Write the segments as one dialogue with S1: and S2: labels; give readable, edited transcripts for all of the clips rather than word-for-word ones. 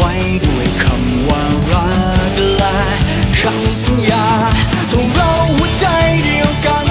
S1: ไว้ด้วยคำว่ารักและคำสัญญาทงเราหัวใจเดียวกัน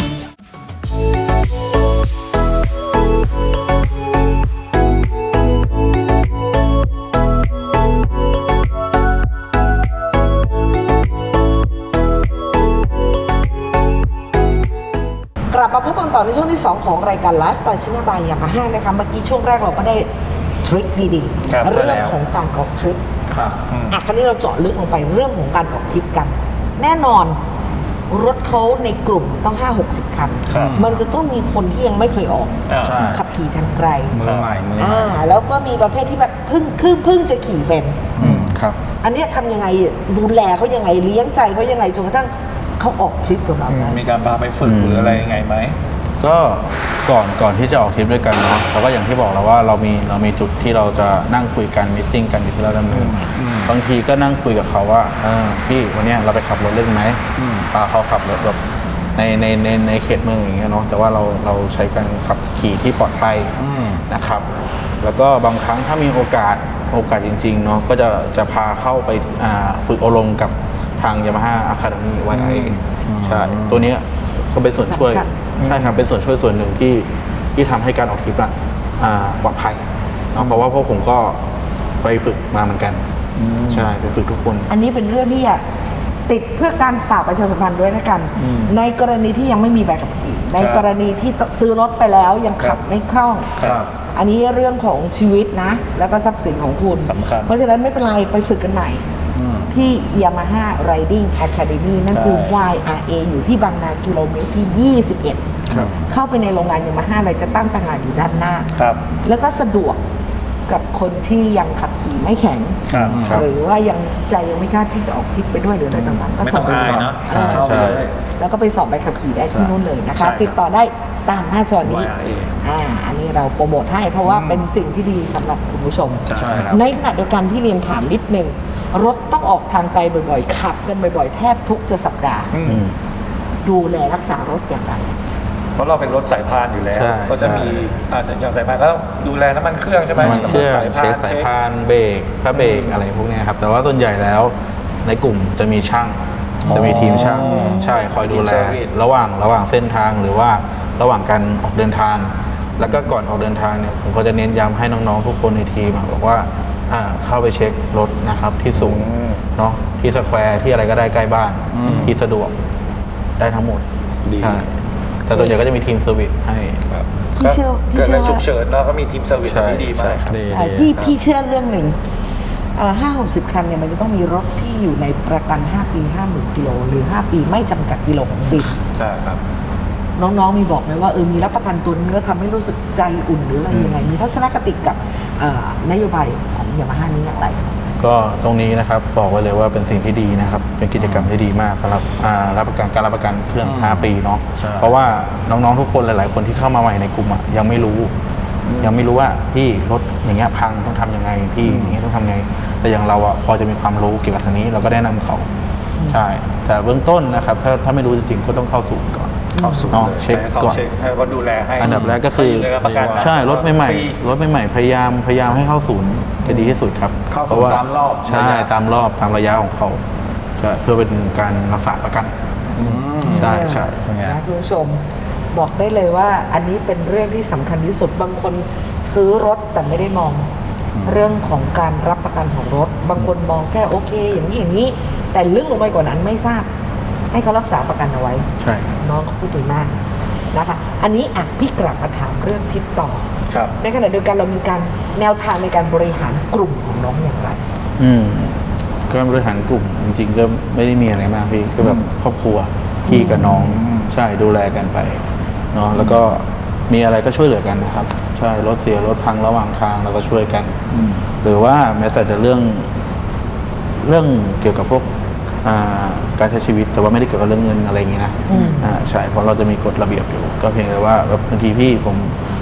S2: กลับมาพบกันต่อในช่วงที่ 2 ของรายการไลฟ์สไตล์ชนะบายยามาฮ่านะคะเมื่อกี้ช่วงแรกเราก็ได้ทริคดีๆเรื่องของการออกทริปคราวนี้เราเจาะลึกลงไปเรื่องของการออกทริปกันแน่นอนรถเขาในกลุ่มต้อง 5-60 คันมันจะต้องมีคนที่ยังไม่เคยออกขับขี่ทางไกล
S3: มือใหม่
S2: แล้วก็มีประเภทที่แบบเพิ่งจะขี่เป็น
S3: ครับ
S2: อันนี้ทำยังไงดูแลเขายังไงเลี้ยงใจเขายังไงจนกระทั่งเขาออกทริปกับเราได้
S4: มีการพาไปฝึกหรืออะไรยังไงไหม
S3: ก็ก่อนที่จะออกทริปด้วยกันเนาะเราก็อย่างที่บอกแล้วว่าเรามีจุดที่เราจะนั่งคุยกันมีตติ้งกันอยู่ที่เราดำเนินบางทีก็นั่งคุยกับเขาว่าพี่วันนี้เราไปขับรถเล่นไหมพาเขาขับรถแบบในเขตเมืองอย่างเงี้ยเนาะแต่ว่าเราใช้การขับขี่ที่ปลอดภัยนะครับแล้วก็บางครั้งถ้ามีโอกาสจริงๆเนาะก็จะพาเข้าไปฝึกอบรมกับทาง Yamaha Academy YI ใช่ตัวนี้ก็เป็นส่วนช่วยใช่ครับเป็นส่วนช่วยส่วนหนึ่งที่ทำให้การออกทริปปลอดภัยเนาะเพราะว่าพวกผมก็ไปฝึกมาเหมือนกันใช่ไปฝึกทุกคน
S2: อันนี้เป็นเรื่องที่ติดเพื่อการฝากประชาสัมพันธ์ด้วยนะกันในกรณีที่ยังไม่มีใบขับขี่ในกรณีที่ซื้อรถไปแล้วยังขับไม่คล่องอันนี้เรื่องของชีวิตนะแล้วก็ทรัพย์สินของคุณ
S4: สำคัญ
S2: เพราะฉะนั้นไม่เป็นไรไปฝึกกันใหม่ที่ Yamaha Riding Academy นั่นคือ YRA อยู่ที่บางนากิโลเมตรที่21เข้าไปในโรงงาน Yamaha อะไรจะตั้งตางานอยู่ด้านหน้าแล้วก็สะดวกกับคนที่ยังขับขี่ไม่แข็งหรือว่ายังใจยังไม่กล้าที่จะออกทริปไปด้วยหรืออะไรต่างๆก็ส่งไปสอบแล้วก็ไปสอบใบขับขี่ได้ที่นู่นเลยนะคะติดต่อได้ตามหน้าจอนี้อันนี้เราโปรโมทให้เพราะว่าเป็นสิ่งที่ดีสำหรับคุณผู้ชมในขณะเดียวกันที่เรียนถามนิดนึงรถต้องออกทางไกลบ่อยๆขับกันบ่อยๆแทบทุกจะสัปดาห์ดูแลรักษารถอย่างไร
S4: เพราะเราเป็นรถสายพานอยู่แล้วก็จะมีอย่างสายพานก็ต้องดูแลน้ำมันเครื่องใช่ไหม
S3: น้ำมันเครื่องเช็คสายพานเบรกพระเบรกอะไรพวกนี้ครับแต่ว่าส่วนใหญ่แล้วในกลุ่มจะมีช่างจะมีทีมช่างใช่คอยดูแลระหว่างเส้นทางหรือว่าระหว่างการออกเดินทางแล้วก็ก่อนออกเดินทางเนี่ยผมก็จะเน้นย้ำให้น้องๆทุกคนในทีมบอกว่าเข้าไปเช็ครถนะครับที่ศูนย์เนาะที่สแควร์ที่อะไรก็ได้ใกล้บ้านที่สะดวกได้ทั้งหมดใช่แต่ส่วนใหญ่ก็จะมีทีมเซอร์วิสให้
S2: พี่เชื่อ
S4: ฉุกเฉินแล้วก็มีทีมเซอร์วิสที่ดีมาก
S2: พี่เชื่อเรื่องหนึ่ง50-60 คันเนี่ยมันจะต้องมีรถที่อยู่ในประกัน5 ปี 50,000 กิโลหรือ5 ปีไม่จำกัดกิโลของฟรี
S4: ใช่ครับ
S2: น้องๆมีบอกไหมว่ามีรับประกันตัวนี้แล้วทำให้รู้สึกใจอุ่นหรืออะไรยังไงมีทัศนคติกับนโยบายของยามาฮ่านี้อย่างไร
S3: ก็ตรงนี้นะครับบอกไว้เลยว่าเป็นสิ่งที่ดีนะครับเป็นกิจกรรมที่ดีมากสำหรับรับประกันเครื่อง5 ปีเนาะเพราะว่าน้องๆทุกคนหลายๆคนที่เข้ามาใหม่ในกลุ่มยังไม่รู้ว่าพี่รถอย่างเงี้ยพังต้องทำยังไงพี่อย่างเงี้ยต้องทำไงแต่อย่างเราพอจะมีความรู้เกี่ยวกับทางนี้เราก็แนะนำเขาใช่แต่เบื้องต้นนะครับถ้าไม่รู้จริงๆก็ต้องเข้าศูนย์ก่อนเช็คก่อน
S4: ให้เขาดูแลให้
S3: อันดับแรกก็คือใช่รถใหม่พยายามให้เข้าศูนย์จะดีที่สุดครับ
S4: เพราะว่าตามรอบ
S3: ใช่ตามรอบตามระยะของเขาเพื่อเป็นการรักษาประกันใช่
S2: นะคุณผู้ชมบอกได้เลยว่าอันนี้เป็นเรื่องที่สำคัญที่สุดบางคนซื้อรถแต่ไม่ได้มองเรื่องของการรับประกันของรถบางคนมองแค่โอเคอย่างนี้แต่ลึกลงไปกว่านั้นไม่ทราบให้เขารักษาประกันเอาไว้
S3: ใช่
S2: น้องเขาพูดดีมากนะคะอันนี้พี่กลับมาถามเรื่องทิปต่อในขณะเดียวกันเรามีการแนวทางในการบริหารกลุ่มของน้องอย่างไร
S3: การบริหารกลุ่มจริงๆก็ไม่ได้มีอะไรมากพี่ก็แบบครอบครัวพี่กับน้องใช่ดูแลกันไปเนาะแล้วก็มีอะไรก็ช่วยเหลือกันนะครับใช่รถเสียรถพังระหว่างทางเราก็ช่วยกันหรือว่าแม้แต่จะเรื่องเกี่ยวกับพวกการใช้ชีวิตแต่ว่าไม่ได้เกี่ยวกับเรื่องเงินอะไรอย่างงี้นะใช่เพราะเราจะมีกฎระเบียบอยู่ก็เพียงแต่ว่าบางทีพี่ผม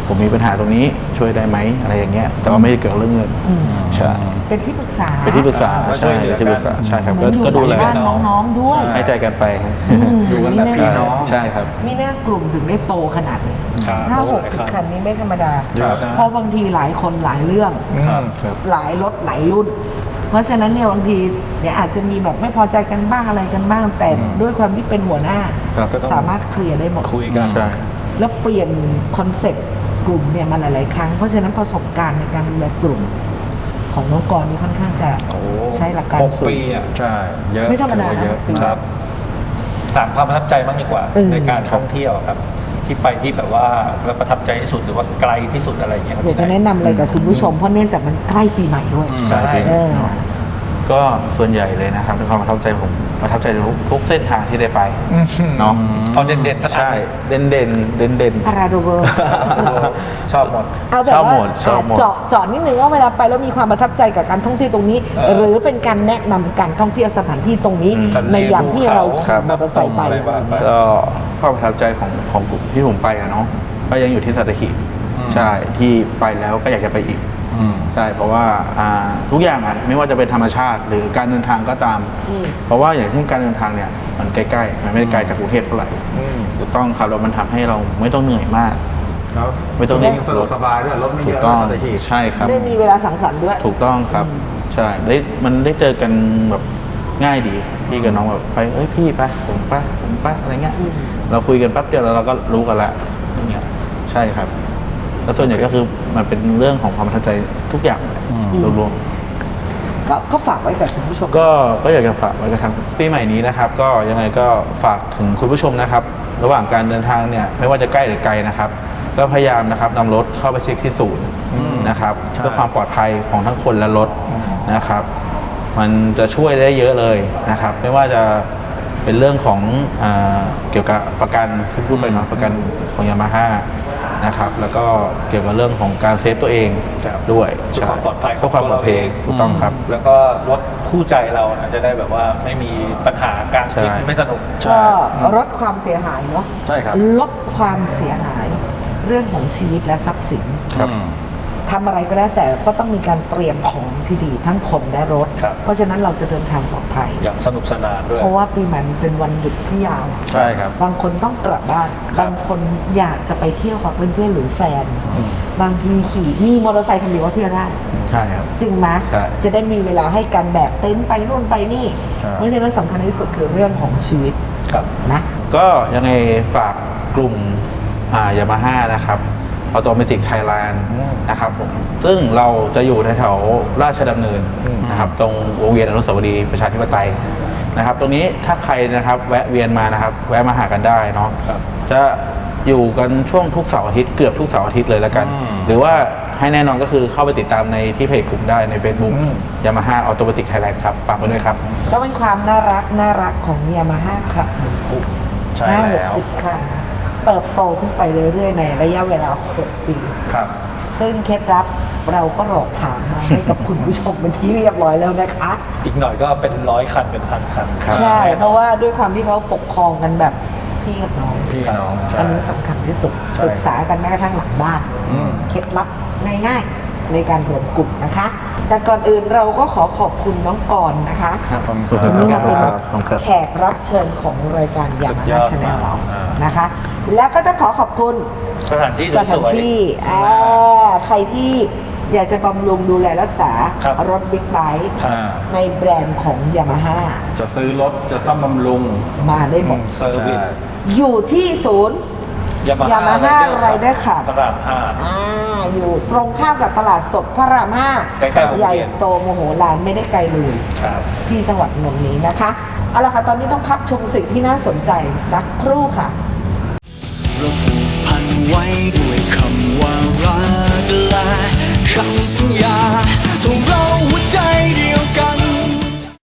S3: ผมมีปัญหาตรงนี้ช่วยได้ไหมอะไรอย่างเงี้ยแต่ว่าไม่ได้เกี่ยวกับเรื่องเงินใช่
S2: เป็นที่ปรึกษา
S3: เป็นที่ปรึกษา
S4: ก็ช่
S3: ใช่
S4: วยเหลือกัน
S3: ที่ปรึกษาใช่ครับ
S2: เหมือนอยู่
S3: ก็ดูแล
S2: หลังบ้านน้องๆด้วย
S3: ให้ใจกันไปครับ
S4: อยู่กันแบบพี่น้อง
S3: ใช่ครับ
S2: มีหน้ากลุ่มถึงได้โตขนาดนี้
S4: ครับ
S2: 50-60 คันนี้ไม่ธรรมดา
S4: เยอะนะ
S2: เพราะบางทีหลายคนหลายเรื่อง
S4: ครับ
S3: ครับ
S2: หลายรถหลายรุ่น เพราะฉะนั้นเนี่ยบางทีเนี่ยอาจจะมีแบบไม่พอใจกันบ้างอะไรกันบ้าง แต่ด้วยความที่เป็นหัวหน้า
S3: ครับ
S2: สามารถเคลียร์ได้หมด
S4: คุยกัน
S3: ใช่
S2: แล้วเปลี่ยนคอนเซ็ปต์กลุ่มเนี่ยมาหลาย ๆ ครั้ง เพราะฉะนั้นประสบการณ์ในการดูแลกลุ่ม ของน้องกรนี่ค่อนข้างจะ
S4: โอ้
S2: ใช้หลักการ
S4: 6
S2: สูง
S4: ปีอ่ะ
S5: ใช่ เยอะ
S2: ไม่ธรรมดา
S5: ถือว่าเยอะ
S2: นะปี
S4: ครับถามความประทับใจบ้างดีกว่า ในการท่องเที่ยวครับ ที่ไปที่แบบว่าประทับใจที่สุดหรือว่าไกลที่สุดอะไรอย่างเงี้ยครับ
S2: อยากจะแนะนำอะไรกับคุณผู้ชม เพราะเนื่องจากมันใกล้ปีใหม่ด้วย
S3: ใช่
S2: เออ
S3: ก็ส่วนใหญ่เลยนะครับในความประทับใจผมประทับใจทุกเส้นทางที่ได้ไปเนาะ
S4: เอาเด่นๆสักอัน
S3: ใช่เด่น
S2: พาราโดเวอร์
S4: ชอบหมด
S2: เอาแบบ
S3: ชอบ
S2: ว่า
S3: หมดชอบหมด
S2: เจาะนิดนึงว่าเวลาไปแล้วมีความประทับใจกับการท่องเที่ยวตรงนี้ หรือเป็นการแนะนำการท่องเที่ยวสถานที่ตรงนี้ ในยามที่เราขี่มอเตอร์ไซค์ไป
S4: อะไรบ้าง
S3: ก็ความประทับใจของกลุ่มที่ผมไปอะเนาะก็ยังอยู่ที่สัตหีบใช่ที่ไปแล้วก็อยากจะไปอีกใช่เพราะว่าทุกอย่างอ่ะไม่ว่าจะเป็นธรรมชาติหรือการเดินทางก็ตาม เพราะว่าอย่างเช่นการเดินทางเนี่ยมันใกล้ๆมันไม่ได้ไกลจากกรุงเทพเท่าไหร่ถูกต้องครับแล้วมันทำให้เราไม่ต้องเหนื่อยมาก
S5: แล้ว
S3: ไม่ต้อง
S5: วิ่งสะดวกสบายด้วยรถไม่
S3: ถู
S5: เย
S3: ก
S5: อะ
S3: ต้อง
S5: สัตหีบ
S3: ใช่ครับ
S2: ได้มีเวลาสังสรรค์ด้วย
S3: ถูกต้องครับใช่มันได้เจอกันแบบง่ายดีพี่กับน้องแบบไปเอ้ยพี่ไปผมไปอะไรเงี้ยเราคุยกันแป๊บเดียวแล้วเราก็รู้กันละอย่างเงี้ยใช่ครับแล้วส่วนใหญ่ก็คือมันเป็นเรื่องของความประทับใจทุกอย่างเลยรวมๆ
S2: ก็ฝากไว้กับคุณผู้ชม
S3: ก็อยากจะฝากไว้กับทางปีใหม่นี้นะครับ ก็ยังไงก็ฝากถึงคุณผู้ชมนะครับ ระหว่างการเดินทางเนี่ยไม่ว่าจะใกล้หรือไกลนะครับ ก็พยายามนะครับนำรถเข้าไปเช็คที่ศูนย์นะครับเพื่อความปลอดภัยของทั้งคนและรถนะครับ มันจะช่วยได้เยอะเลยนะครับ ไม่ว่าจะเป็นเรื่องของเกี่ยวกับประกันที่พูดไปเนาะประกันของยามาฮ่านะครับแล้วก็เกี่ยวกับเรื่องของการเซฟตัวเองด้วย
S4: เพื่อความปลอดภัย
S3: เพื่อความปลอดภัยถูกต้องครับ
S4: แล้วก็รถคู่ใจเรานะจะได้แบบว่าไม่มีปัญหาการทริป
S3: ใช่
S4: ไม่สนุก
S2: ก็ลดความเสียหายเนาะ
S5: ใช่ครับ
S2: ลดความเสียหายเรื่องของชีวิตและทรัพย์สิน
S3: ครับ
S2: ทำอะไรก็แล้วแต่ก็ต้องมีการเตรียมของที่ดีทั้งคนและรถ
S4: ครับ
S2: เพราะฉะนั้นเราจะเดินทางปลอดภัย
S4: อย่างสนุกสนานด้วย
S2: เพราะว่าปีใหม่มันเป็นวันหยุดที่ยาว
S5: ใช่ครับ
S2: บางคนต้องกลับบ้าน
S4: ครับ
S2: บางคนอยากจะไปเที่ยวกับเพื่อนๆหรือแฟน บางทีขี่มีมอเตอร์ไซค์คันเดียวก็เที่ยวได้
S3: ใช่ครับ
S2: จริงไหม
S3: ใช่
S2: จะได้มีเวลาให้การแบกเต็นท์ไปนู่นไปนี่
S5: ใช่
S2: เพราะฉะนั้นสำคัญที่สุดคือเรื่องของชีวิต
S4: ครับ
S2: นะ
S3: ก็ยังไงฝากกลุ่มยามาฮ่านะครับออโตเมติกไทยแลนด์นะครับผมซึ่งเราจะอยู่แถวๆราชดำเนินนะครับตรงวงเวียนอนุสาวรีย์ประชาธิปไตยนะครับ ตรงนี้ถ้าใครนะครับแวะเวียนมานะครับ แวะมาหากันได้เนาะ
S4: ครับ
S3: จะอยู่กันช่วงทุกเสาร์อาทิตย์เกือบทุกเสาร์อาทิตย์เลยแล้วกัน หรือว่าให้แน่นอนก็คือเข้าไปติดตามในที่เพจกลุ่มได้ใน Facebook ยามาฮ่าออโตเมติกไทยแลนด์ครับฝากไว้ด้วยครับ
S2: ก็เป็นความน่ารักของยามาฮ่าครับหนึ่งกลุ่ม
S5: ใช่แล้ว
S2: 50 คันเติบโตขึ้นไปเรื่อยๆ ในระยะเวลา 6 ปี
S5: ครับ
S2: ซึ่งเคล็ดลับเราก็หลอกถามมาให้กับคุณผู้ชมเป็นที่เรียบร้อยแล้วนะคะ
S4: อีกหน่อยก็เป็น100 คันเป็น1,000 คัน
S2: ใช่ เพราะว่าด้วยความที่เขาปกครองกันแบบพี่กับน้อง
S5: พี่น้องใช่
S2: อันนี้สำคัญที่สุด
S5: ใช่
S2: ปรึกษากันแม้กระทั่งหลังบ้าน เคล็ดลับง่ายๆ ในการรวมกลุ่มนะคะ แต่ก่อนอื่นเราก็ขอบคุณน้องกรณ์นะคะ
S5: ขอบคุณ
S3: ขอบ
S2: ที
S3: คุณ
S2: นี้มาเป็น
S3: ครับขอบคุณครับ
S2: แขกรับเชิญของรายการยา
S4: สุ
S2: มา
S4: ดย
S2: ฮ่า
S4: อด
S2: ชาแนลเรา
S4: อ่าน
S2: นะคะ แล้วก็ต้องขอบคุณ
S4: สถานที่
S2: ส
S4: ส
S2: ถาน
S4: วย
S2: ที่
S4: ๆ
S2: ใครที่อยากจะบำรุงดูแลรักษา
S4: ครับ
S2: รถบิ๊กไบค์
S5: อ่า
S2: ในแบรนด์ของยามาฮ่า
S5: จะซื้อรถจะซ่อมบำรุง
S2: มาได้หมด
S4: เซอร์วิส
S2: อยู่ที่ศูนย์ Yamaha Rider Club
S4: พระรามห้า
S2: อยู่ตรงข้ามกับตลาดสดพระราม
S4: ใกล้ๆวงเวียน
S2: ใหญ่โตโมโหลานไม่ได้ไกลเลย
S4: ครับ
S2: ที่จังหวัดนนท์นี้นะคะ เอาละค่ะ ตอนนี้ต้องพักชมสิ่งที่น่าสนใจสักครู่ค่ะ
S1: เราผูกพันไว้ด้วยคำว่ารักและคำสัญญาทงเรา